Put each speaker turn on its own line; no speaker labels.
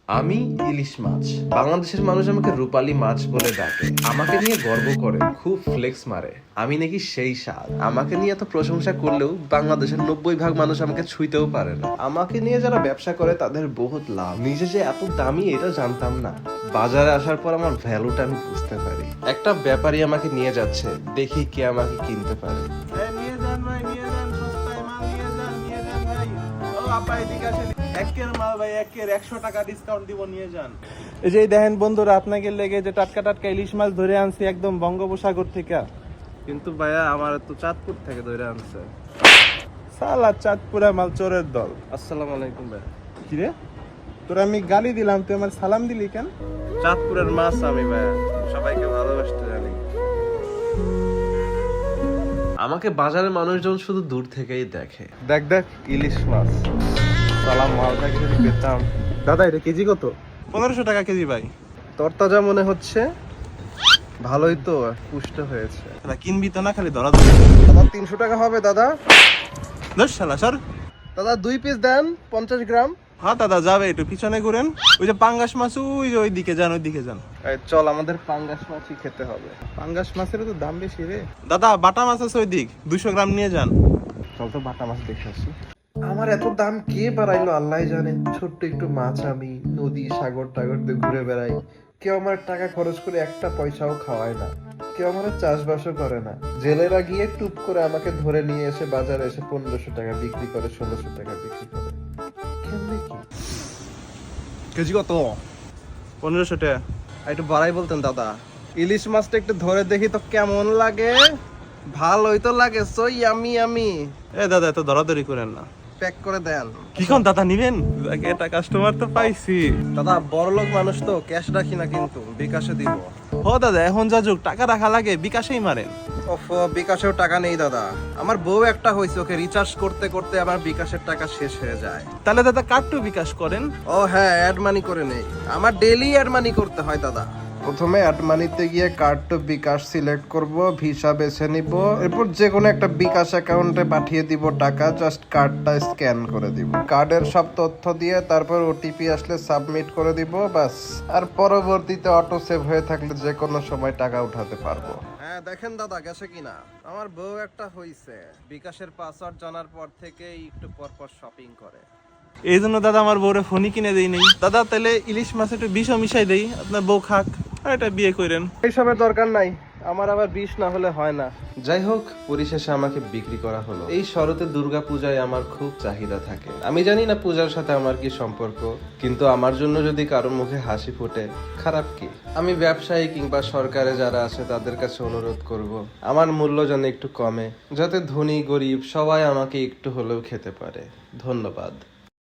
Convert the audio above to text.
আমি ইলিশ মাছ। বাংলাদেশের মানুষ আমাকে রূপালী মাছ বলে ডাকে, আমাকে নিয়ে গর্ব করে, খুব ফ্লেক্স মারে। আমি নাকি সেই স্বাদ। আমাকে নিয়ে এত প্রশংসা করলেও বাংলাদেশের 90% মানুষ আমাকে ছুঁইতেও পারে না। আমাকে নিয়ে যারা ব্যবসা করে তাদের বহুত লাভ। নিজে যে এত দামি এটা জানতাম না। বাজারে আসার পর আমার ভ্যালুটা আমি বুঝতে পারি। একটা ব্যাপারী আমাকে নিয়ে যাচ্ছে, দেখি কে আমাকে কিনতে পারে।
নিয়ে যান ভাই, নিয়ে যান, সস্তায় মাল নিয়ে যান, নিয়ে যান ভাই। ও আপা এদিকে আসেন, একের মাল ভাই, একের 100 টাকা ডিসকাউন্ট দিব, নিয়ে যান। এই যে দেখেন বন্ধুরা, আপনাকে লেগে যে টাটকা টাটকা ইলিশ মাছ ধরে আনছি একদম বঙ্গোপসাগর থেকে। কিন্তু ভাইয়া আমার তো চাঁদপুর থেকে ধরে আনছে। সালা চাঁদপুরা মাল চোরের দল। আসসালামু আলাইকুম ভাই। কি রে, তোর আমি গালি দিলাম, তুই আমার সালাম দিলি কেন? চাঁদপুরের মাছ আমি ভাইয়া সবাইকে ভালোবাসতে জানি।
আমাকে বাজারের মানুষজন শুধু দূর থেকেই দেখে।
দেখ দেখ ইলিশ মাছ, সালাম মালটা যদি পেতাম। দাদা এটা কেজি কত? 1500 টাকা কেজি ভাই।
তরতাজা মনে হচ্ছে, ভালোই তো পুষ্ট হয়েছে।
দাদা কিনবি তো না, খালি ধরা
দাদা 300 টাকা হবে দাদা।
দশ শালা সর।
দাদা 2 পিস দেন, 50 গ্রাম।
হ্যাঁ দাদা যাবে, একটু পিছনে ঘুরেন। ওই যে পাঙ্গাস মাছ, ওই যে ওইদিকে যান, ওইদিকে যান।
চল, আমাদের পাঙ্গাস মাছই খেতে হবে।
পাঙ্গাস মাছের তো দাম বেশি রে। দাদা বাটা মাছ আছে ওইদিক, 200 গ্রাম নিয়ে যান।
চল তো বাটা মাছ দেখে আসি। আমার এত দাম কে বাড়াইলো আল্লাহ জানে। ছোট্ট একটু মাছ, আমি নদী সাগর টাগর দিয়ে ঘুরে বেড়াই। কেউ আমার টাকা খরচ করে একটা পয়সাও খাওয়ায় না। কেউ আমার চাষবাসও করে না। জেলেরা গিয়ে টুপ করে আমাকে ধরে নিয়ে এসে বাজারে এসে 1500 টাকা বিক্রি করে, 1600 টাকা বিক্রি করে। কেমনে কি?
কেজি কত? 1500 টাকা।
একটু বাড়াই বলতেন দাদা। ইলিশ মাছটা একটু ধরে দেখি তো কেমন লাগে। ভালোই তো লাগে, সো ইয়ামি ইয়ামি।
এ দাদা এত ধরাধরি করেন না।
প্যাক করে দেন।
কি কোন দাদা নিবেন? এটা কাস্টমার তো পাইছি।
দাদা বড়লোক মানুষ তো, ক্যাশ রাখি না কিন্তু, বিকাশে দিব।
ও দাদা এখন যা যুগ, টাকা রাখা লাগে, বিকাশেই মারেন।
ওফ, বিকাশেও টাকা নেই দাদা। আমার বউ একটা হয়েছে, ওকে রিচার্জ করতে করতে আমার বিকাশের টাকা শেষ হয়ে যায়।
তাহলে দাদা কার্ডটু বিকাশ করেন।
ও হ্যাঁ, অ্যাড মানি করে নেই। আমার ডেইলি অ্যাড মানি করতে হয় দাদা। প্রথমে অ্যাড মানিতে গিয়ে কার্ড টু বিকাশ সিলেক্ট করব, ভিসা বেছে নিব, এরপর যে কোনো একটা বিকাশ অ্যাকাউন্টে পাঠিয়ে দিব টাকা। জাস্ট কার্ডটা স্ক্যান করে দিব, কার্ডের সব তথ্য দিয়ে তারপর ওটিপি আসলে সাবমিট করে দিব, বাস। আর পরবর্তীতে অটো সেভ হয়ে থাকলে যে কোনো সময় টাকা উঠাতে পারবো। হ্যাঁ দেখেন দাদা গেছে কিনা। আমার বউ একটা হইছে, বিকাশের পাসওয়ার্ড জানার পর থেকেই একটু পর পর শপিং করে।
এই জন্য দাদা আমার বউরে ফোনই কিনে দেই নেই। দাদা তাহলে ইলিশ মাছ একটু বিষও মিশাই দেই, আপনার বউ খাক, আর এটা বিয়ে করেন।
এইসবের দরকার নাই, আমার আবার বিষ না হলে হয় না। যাই হোক, পরিশেষে আমাকে বিক্রি করা হলো। এই শরতে দুর্গা পূজায় আমার খুব চাহিদা থাকে। আমি জানি না পূজার সাথে আমার কি সম্পর্ক, কিন্তু আমার জন্য যদি কারো মুখে হাসি ফোটে, খারাপ কি? আমি ব্যবসায়ী কিংবা সরকারে যারা আছে তাদের কাছে অনুরোধ করব, আমার মূল্য যেন একটু কমে, যাতে ধনী গরিব সবাই আমাকে একটু হলেও খেতে পারে। ধন্যবাদ।